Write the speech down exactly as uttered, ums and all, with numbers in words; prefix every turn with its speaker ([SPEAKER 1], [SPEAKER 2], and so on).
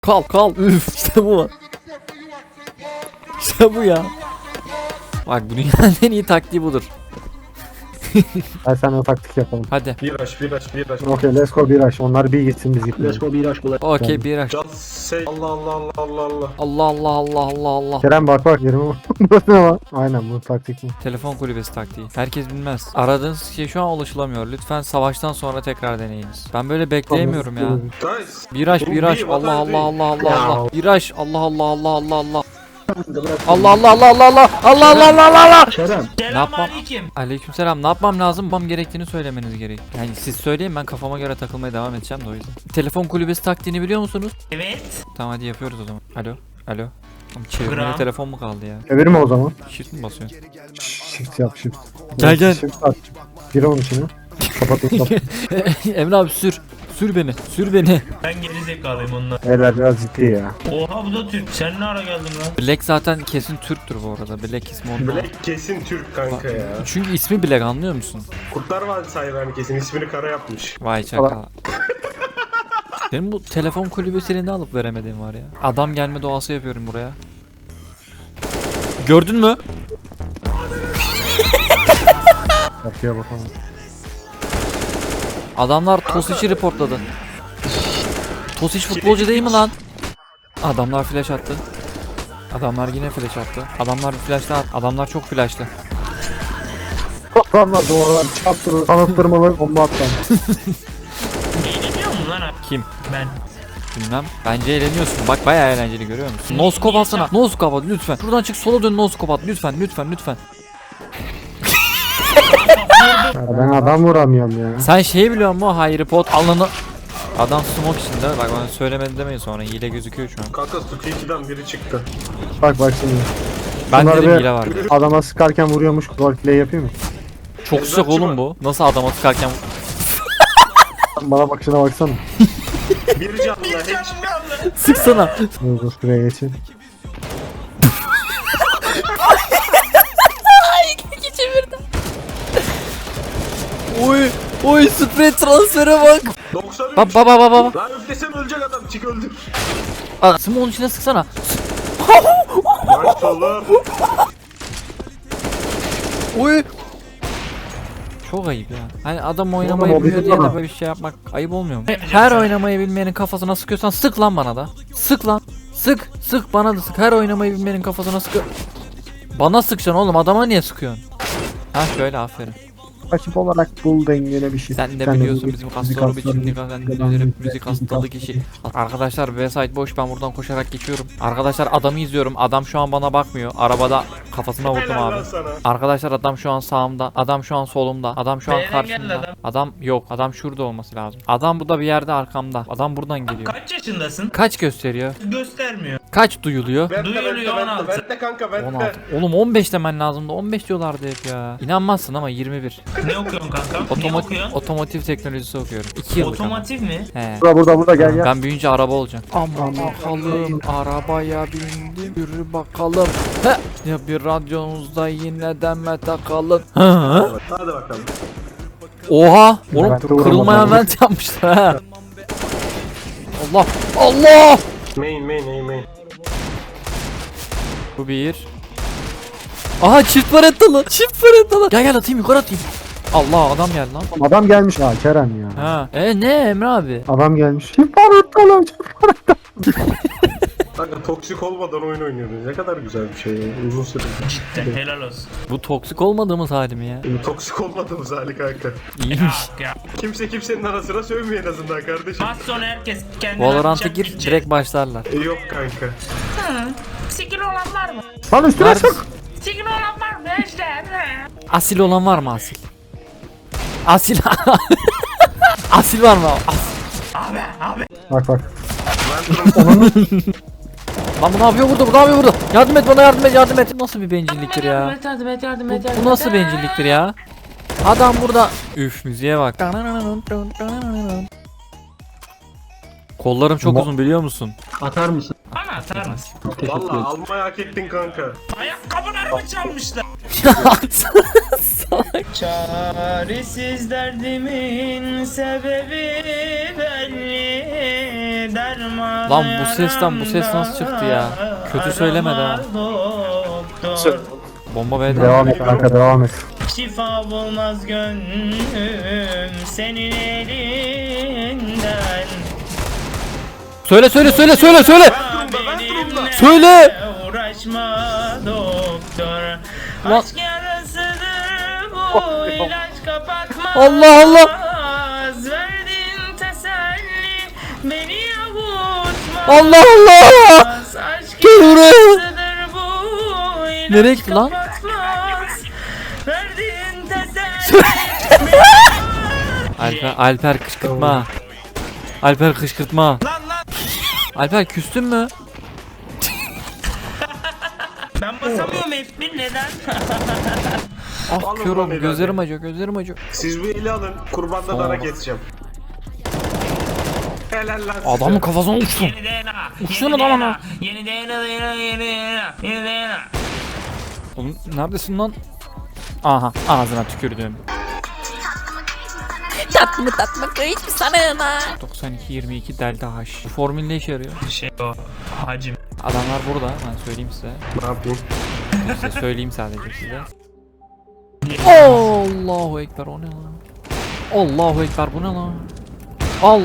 [SPEAKER 1] Kal kal. Üf işte bu. İşte bu ya. Bak bu dünyanın en iyi taktiği budur.
[SPEAKER 2] Hadi sen o taktik yapalım.
[SPEAKER 1] Hadi.
[SPEAKER 3] Bir aş, bir aş, bir aş.
[SPEAKER 2] Okey, let's go bir aş. Onlar bir gitsin biz gidelim.
[SPEAKER 4] Let's go bir aş kolay.
[SPEAKER 1] Okey bir aç.
[SPEAKER 3] Just say Allah Allah Allah Allah Allah.
[SPEAKER 1] Allah Allah Allah Allah Allah.
[SPEAKER 2] Kerem bak bak yerime bak. Burası ne var? Aynen bu taktik mi?
[SPEAKER 1] Telefon kulübesi taktiği. Herkes bilmez. Aradığınız kişiye şu an ulaşılamıyor. Lütfen savaştan sonra tekrar deneyiniz. Ben böyle bekleyemiyorum ya.
[SPEAKER 3] Guys.
[SPEAKER 1] Viraj
[SPEAKER 3] Bu
[SPEAKER 1] viraj
[SPEAKER 3] bir
[SPEAKER 1] Allah
[SPEAKER 3] vatan
[SPEAKER 1] Allah
[SPEAKER 3] değil.
[SPEAKER 1] Allah Allah
[SPEAKER 2] Ya.
[SPEAKER 1] Allah. Viraj Allah Allah Allah Allah Allah. Allah Allah Allah Allah Allah Allah Allah Allah Allah Allah.
[SPEAKER 4] Kerem.
[SPEAKER 1] Ne yapmam? Aleykümselam. Ne yapmam lazım? Yapmam gerektiğini söylemeniz gerek. Yani siz söyleyin, ben kafama göre takılmaya devam edeceğim de o yüzden. Telefon kulübesi taktiğini biliyor musunuz?
[SPEAKER 5] Evet.
[SPEAKER 1] Tamam hadi yapıyoruz o zaman. Alo. Alo. Oğlum çevirmeli
[SPEAKER 5] Gram.
[SPEAKER 1] telefon mu kaldı ya?
[SPEAKER 2] Çevirme o zaman.
[SPEAKER 1] Shift mi basıyorsun?
[SPEAKER 2] Shift yap shift.
[SPEAKER 1] Gel, gel.
[SPEAKER 2] Shift at. Gir onun içine. Kapatayım kapat.
[SPEAKER 1] Emre abi sür. Sür beni. Sür beni.
[SPEAKER 5] Ben geri zekalıyım onunla.
[SPEAKER 2] Beyler biraz ciddi ya.
[SPEAKER 5] Oha bu da Türk. Sen ne ara geldin lan?
[SPEAKER 1] Black zaten kesin Türktür bu arada. Black ismi ondan.
[SPEAKER 3] Black kesin Türk kanka ya.
[SPEAKER 1] Çünkü ismi Black, anlıyor musun?
[SPEAKER 3] Kurtlar Vadisi hayvanı kesin ismini kara yapmış.
[SPEAKER 1] Vay çakal. Benim bu telefon kulübesini ne alıp veremediğim var ya. Adam gelme doğası yapıyorum buraya. Gördün mü?
[SPEAKER 2] Kapıya bakalım.
[SPEAKER 1] Adamlar Tosic'i reportladı. Tosic futbolcu değil mi lan? Adamlar flash attı. Adamlar yine flash attı. Adamlar bir flash daha attı. Adamlar çok flashlı.
[SPEAKER 2] Adamlar duvarlar çarptırır. Kanıttırmalı bomba atlar.
[SPEAKER 5] Eğleniyor mu lan abi?
[SPEAKER 1] Kim?
[SPEAKER 5] Ben.
[SPEAKER 1] Bilmem. Bence eğleniyorsun. Bak bayağı eğlenceli, görüyor musun? Noskop atsana. Noskop at lütfen. Şuradan çık, sola dön, noskop at lütfen lütfen lütfen.
[SPEAKER 2] Ya ben adam vuramıyorum ya.
[SPEAKER 1] Sen şeyi biliyor musun? Hayır pot alanı. Adam smoke içinde. Bak bana söylemedi demeyin sonra. Hile gözüküyor şu an.
[SPEAKER 3] Kanka Stukiyici'den biri çıktı.
[SPEAKER 2] Bak bak şimdi.
[SPEAKER 1] Ben
[SPEAKER 2] Bunları
[SPEAKER 1] dedim
[SPEAKER 2] bir-
[SPEAKER 1] hile var diye.
[SPEAKER 2] Adama sıkarken vuruyormuş. Roleplay yapayım mı?
[SPEAKER 1] Çok sıcak oğlum bu. Nasıl adama sıkarken...
[SPEAKER 2] Bana bakışına baksana.
[SPEAKER 3] Bir canlı hiç.
[SPEAKER 1] Sıksana.
[SPEAKER 2] Dur dur şuraya geçeyim.
[SPEAKER 1] Oy. Oy sprey transfere bak.
[SPEAKER 3] doksan üç.
[SPEAKER 1] Baba baba baba.
[SPEAKER 3] Lan üflesem ölecek adam. Çık öldür.
[SPEAKER 1] Aa, smoke'un içine sıksana.
[SPEAKER 3] Lan oğlum.
[SPEAKER 1] Oy. Çok ayıp ya. Hani adam oynamayı
[SPEAKER 2] Oğlum, o
[SPEAKER 1] bilmiyor
[SPEAKER 2] bizim
[SPEAKER 1] diye de
[SPEAKER 2] adam.
[SPEAKER 1] böyle bir şey yapmak ayıp olmuyor mu? Her oynamayı bilmeyenin kafasına sıkıyorsan sık lan bana da. Sık lan. Sık. Sık bana da sık. Her oynamayı bilmeyenin kafasına sık. Bana sıkacaksın oğlum, adama niye sıkıyorsun? Ha şöyle, aferin.
[SPEAKER 2] Rakip olarak bul dengene bir şey.
[SPEAKER 1] Sen de
[SPEAKER 2] Sen
[SPEAKER 1] biliyorsun
[SPEAKER 2] müzik-
[SPEAKER 1] bizim
[SPEAKER 2] müzik
[SPEAKER 1] kasları biçimli
[SPEAKER 2] hastalığı-
[SPEAKER 1] müzik, müzik hastalığı kişi. Arkadaşlar B-side boş, ben buradan koşarak geçiyorum. Arkadaşlar adamı izliyorum. Adam şu an bana bakmıyor. Arabada kafasına vurdum
[SPEAKER 3] Helal
[SPEAKER 1] abi.
[SPEAKER 3] lan sana.
[SPEAKER 1] Arkadaşlar adam şu an sağımda. Adam şu an solumda. Adam şu an
[SPEAKER 5] B'den geldi
[SPEAKER 1] karşımda.
[SPEAKER 5] adam.
[SPEAKER 1] Adam yok. Adam şurada olması lazım. Adam bu da bir yerde arkamda. Adam buradan geliyor.
[SPEAKER 5] Kaç yaşındasın?
[SPEAKER 1] Kaç gösteriyor?
[SPEAKER 5] Göstermiyor.
[SPEAKER 1] Kaç duyuluyor?
[SPEAKER 3] Vente
[SPEAKER 5] Duyuluyor
[SPEAKER 3] vente
[SPEAKER 5] on altı.
[SPEAKER 3] vente. Vente kanka vente.
[SPEAKER 1] on altı. Oğlum on beş demen lazımdı. on beş diyorlardı hep ya. İnanmazsın ama yirmi bir.
[SPEAKER 5] Ne okuyorsun kanka? ne
[SPEAKER 1] Otomotiv,
[SPEAKER 5] okuyorsun?
[SPEAKER 1] otomotiv teknolojisi okuyorum. iki yıllık ama.
[SPEAKER 5] Otomotiv mi?
[SPEAKER 1] He.
[SPEAKER 2] Burada burada burada gel gel.
[SPEAKER 1] Ben büyüyünce araba olacağım. Aman bakalım, arabaya bindim, yürü bakalım. He. Ya bir radyonuzda yine deme takalım. Hı?
[SPEAKER 3] Hadi bakalım.
[SPEAKER 1] Oha! Oğlum
[SPEAKER 2] Ben de vuramadım.
[SPEAKER 1] kırılmayan vent yapmışlar ha. Allah! Allah!
[SPEAKER 3] Main main main main.
[SPEAKER 1] Bu bir. Aha çift parettalı. Çift parettalı. Gel gel atayım, yukarı atayım. Allah, adam geldi lan.
[SPEAKER 2] Adam gelmiş ha Kerem ya.
[SPEAKER 1] Ha. E ne Emre abi?
[SPEAKER 2] Adam gelmiş. Kim parıttalı?
[SPEAKER 3] Kanka toksik olmadan oyun oynuyoruz. Ne kadar güzel bir şey ya. Uzun süre.
[SPEAKER 5] Cidden helal olsun.
[SPEAKER 1] Bu toksik olmadığımız hali mi ya?
[SPEAKER 3] Toksik olmadığımız hali kanka.
[SPEAKER 1] İyiymiş.
[SPEAKER 5] Ya.
[SPEAKER 3] Kimse kimsenin arasına sövmüyor en azından kardeşim.
[SPEAKER 5] Az sonra herkes kendine
[SPEAKER 1] Valorant'a
[SPEAKER 5] atacak,
[SPEAKER 1] gir,
[SPEAKER 5] gidecek.
[SPEAKER 1] direkt başlarlar.
[SPEAKER 3] E, yok kanka.
[SPEAKER 5] Skill olan var mı?
[SPEAKER 2] Lan üstüne
[SPEAKER 1] Var.
[SPEAKER 2] sık.
[SPEAKER 5] Skill olan var mı Ejder?
[SPEAKER 1] Asil olan var mı asil? Asil. Asil var mı? As-
[SPEAKER 5] Abi abi.
[SPEAKER 2] Bak bak.
[SPEAKER 1] Lan bu ne yapıyor burada? Bu ne yapıyor burada? Yardım et bana, yardım et, yardım et. Nasıl bir bencilliktir ya?
[SPEAKER 5] Yardım et yardım et yardım
[SPEAKER 1] Bu,
[SPEAKER 5] et. yardım
[SPEAKER 1] bu nasıl
[SPEAKER 5] et.
[SPEAKER 1] bencilliktir ya? Adam burada. Üf, müziğe bak. Kollarım çok
[SPEAKER 2] Mo-
[SPEAKER 1] uzun, biliyor musun?
[SPEAKER 4] Atar mısın?
[SPEAKER 5] Bana atar mısın?
[SPEAKER 4] Teşekkür
[SPEAKER 3] Valla
[SPEAKER 4] ederim.
[SPEAKER 3] almayı hak ettin kanka.
[SPEAKER 5] Ayakkabılarımı çalmışlar.
[SPEAKER 1] Salak.
[SPEAKER 5] Çaresiz derdimin sebebi belli bir derman.
[SPEAKER 1] Lan bu sesten bu ses nasıl çıktı ya? Kötü söylemedi ha.
[SPEAKER 5] Doktor.
[SPEAKER 1] Bomba B'de.
[SPEAKER 2] Devam et kanka devam et.
[SPEAKER 5] Şifa bulmaz gönlüm senin elinden.
[SPEAKER 1] Söyle söyle söyle söyle söyle.
[SPEAKER 5] Benimle
[SPEAKER 1] Söyle.
[SPEAKER 5] uğraşma doktor.
[SPEAKER 1] Lan-
[SPEAKER 5] Aşk yarasıdır bu ilaç kapatmaz.
[SPEAKER 1] Allah Allah.
[SPEAKER 5] Verdiğin teselli beni avutmaz.
[SPEAKER 1] Allah Allah.
[SPEAKER 5] Aşk
[SPEAKER 1] Gel buraya.
[SPEAKER 5] yarasıdır bu ilaç
[SPEAKER 1] Nereye gitti lan?
[SPEAKER 5] kapatmaz. Verdiğin teselli
[SPEAKER 1] Alper Alper kışkırtma. Alper kışkırtma.
[SPEAKER 5] Lan lan
[SPEAKER 1] Alper küstün mü?
[SPEAKER 5] ben basamıyorum F bir neden?
[SPEAKER 1] Ah
[SPEAKER 3] Alın
[SPEAKER 1] kör
[SPEAKER 3] lan
[SPEAKER 1] oldum.
[SPEAKER 3] eli
[SPEAKER 1] Gözlerim
[SPEAKER 3] hadi.
[SPEAKER 1] acıyor. Gözlerim acıyor.
[SPEAKER 3] Siz bu eli alın. Kurbanda
[SPEAKER 1] Tamam.
[SPEAKER 3] dara keseceğim. Helal lan size.
[SPEAKER 1] Adamın kafasına uçsun.
[SPEAKER 5] Yeni D N A.
[SPEAKER 1] Uçsana
[SPEAKER 5] Yeni
[SPEAKER 1] lan
[SPEAKER 5] D N A.
[SPEAKER 1] ana.
[SPEAKER 5] Yeni D N A. Yeni D N A. Yeni D N A.
[SPEAKER 1] Oğlum neredesin lan? Aha ağzına tükürdüm.
[SPEAKER 4] Tatlı tatlı kıyıç bir sanığına.
[SPEAKER 1] doksan iki yirmi iki delta H. Bu formül ne işe yarıyor?
[SPEAKER 5] Şey o. Hacim.
[SPEAKER 1] Adamlar burada. Ben söyleyeyim size.
[SPEAKER 3] Ne yapayım?
[SPEAKER 1] Size söyleyeyim sadece size. Allahu ekber o ne lan? Allahu ekber bu ne lan?